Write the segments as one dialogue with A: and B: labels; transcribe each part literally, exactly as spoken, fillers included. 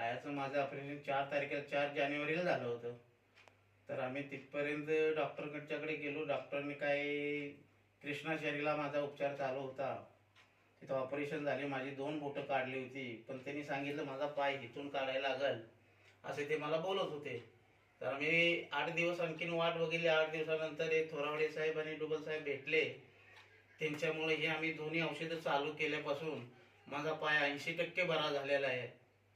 A: पायाचं माझं ऑपरेशन चार तारखेला चार जानेवारीला झालं होतं. तर आम्ही तिथपर्यंत डॉक्टरकडच्याकडे गेलो. डॉक्टरने काय कृष्णाचारीला माझा उपचार चालू होता. तिथं ऑपरेशन झाले, माझी दोन बोटं काढली होती. पण त्यांनी सांगितलं माझा पाय इथून काढायला लागल असे ते मला बोलत होते. तर आम्ही आठ दिवस आणखीन वाट बघितली. आठ दिवसानंतर हे थोरावडे साहेब आणि डुबल साहेब भेटले. त्यांच्यामुळे हे आम्ही दोन्ही औषधं चालू केल्यापासून माझा पाय ऐंशी टक्के बरा झालेला आहे.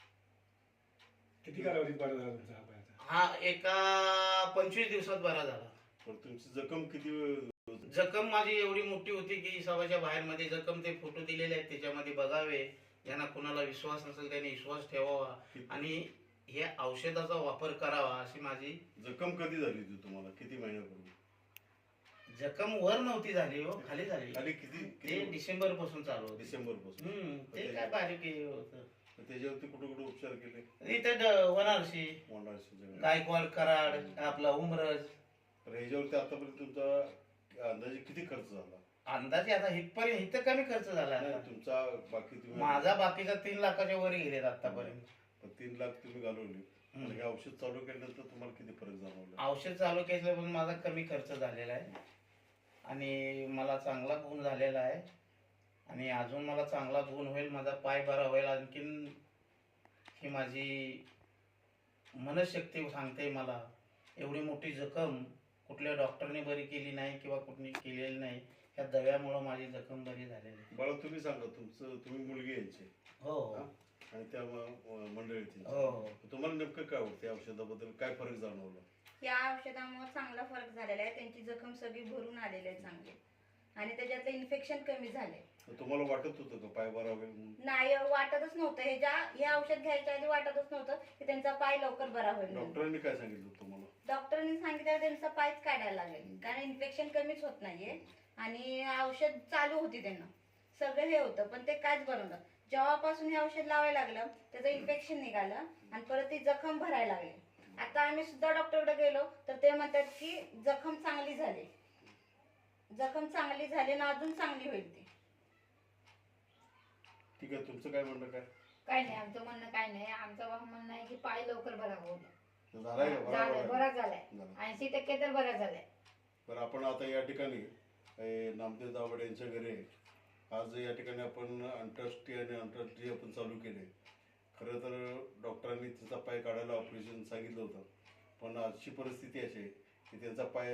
B: किती कालावधीत बरा झाला तुमचा हा पायाचा?
A: हा एका पंचवीस दिवसात बरा झाला.
C: पण तुमची जखम किती?
A: जखम माझी एवढी मोठी होती की हिसाबाच्या बाहेर मध्ये जखम ते फोटो दिलेले आहेत त्याच्यामध्ये बघावे. ज्यांना कुणाला विश्वास नसेल त्यांनी विश्वास ठेवावा आणि हे औषधाचा वापर करावा अशी माझी.
C: जखम कधी झाली होती तुम्हाला? किती महिन्यापूर्वी?
A: जखम वर नव्हती झाली हो, खाली झाली.
C: खाली किती?
A: ते डिसेंबर पासून चालू होतं.
C: डिसेंबर पासून.
A: हम्म ते काय बारीक हे होतं.
C: त्याच्यावरती कुठे कुठे उपचार केले?
A: इथे ड- वनारसी,
C: मोंढाळशी
A: गायकवाड, कराड, आपला उमरज.
C: तर ह्याच्यावरती आतापर्यंत तुमचा अंदाजे किती खर्च झाला?
A: अंदाजे आता इथपर्यंत इथं कमी खर्च झाला
C: नाही,
A: आता.
C: तुमचा बाकी तुम्ही
A: माझा बाकीचा तीन लाखाच्या वर गेलेत आतापर्यंत.
C: पण तीन लाख तुम्ही घालवले. आणि हे औषध चालू केल्यानंतर तुम्हाला किती फरक जाणवला?
A: औषध चालू केल्यापासून माझा कमी खर्च झालेला आहे आणि मला चांगला गुण झालेला आहे आणि अजून मला चांगला गुण होईल. माझा पाय बरा होईल. आणखीन ही माझी मनशक्ती सांगते मला एवढी मोठी जखम कुठल्या डॉक्टरने बरी केली नाही किंवा कुठली केलेली नाही. ह्या दव्यामुळं माझी जखम बरी झालेली आहे.
C: बाळा तुम्ही सांगा, तुमचं तुम्ही मुलगी यायची
A: हो
C: आणि त्या म- मंडळीची
A: हो हो
C: तुम्हाला नेमकं काय होतं या औषधाबद्दल? काय फरक जाणवला?
D: या औषधामुळे चांगला फरक झालेला आहे. त्यांची जखम सगळी भरून आलेली आहे चांगली आणि त्याच्यातलं इन्फेक्शन कमी झाले.
C: तर तुम्हाला वाटत होतं का पाय बरा होईल म्हणून?
D: नाही वाटतच नव्हतं. हे ज्या हे औषध घ्यायच्या आधी वाटतच नव्हतं की त्यांचा पाय लवकर बरा होईल म्हणून.
C: डॉक्टरांनी काय सांगितलं तुम्हाला?
D: डॉक्टरांनी सांगितलं त्यांचा पायच काढायला लागेल कारण इन्फेक्शन कमीच होत नाहीये आणि औषध चालू होती त्यांना सगळं हे होतं पण ते कायच बनवलं. जेव्हापासून हे औषध लावायला लागलं त्याचं इन्फेक्शन निघालं आणि परत ती जखम भरायला लागली. आता आम्ही सुद्धा डॉक्टरकडे गेलो तर ते म्हणतात की जखम चांगली झाली, जखम चांगली झाली ना अजून चांगली होईल ती.
C: ठीक आहे, तुमचं काय म्हणणं? काय
E: काय नाही, आमचं म्हणणं काय नाही. आमचं म्हणणं आहे की पाय लवकर बरा होऊ द्या.
C: झालाय का?
E: झालाय,
C: बरोबर
E: बरा
C: आहे.
E: झालाय.
C: झालं.
E: ऐंशी टक्के तर बरा झालाय.
C: तर आपण आता या ठिकाणी ए, नामदेव दावड यांच्या घरी आहे. आज या ठिकाणी आपण आंतरराष्ट्रीय आणि आंतरराष्ट्रीय आपण चालू केले. खरं तर डॉक्टरांनी तिचा पाय काढायला ऑपरेशन सांगितलं होतं पण आजची परिस्थिती अशी आहे की त्यांचा पाय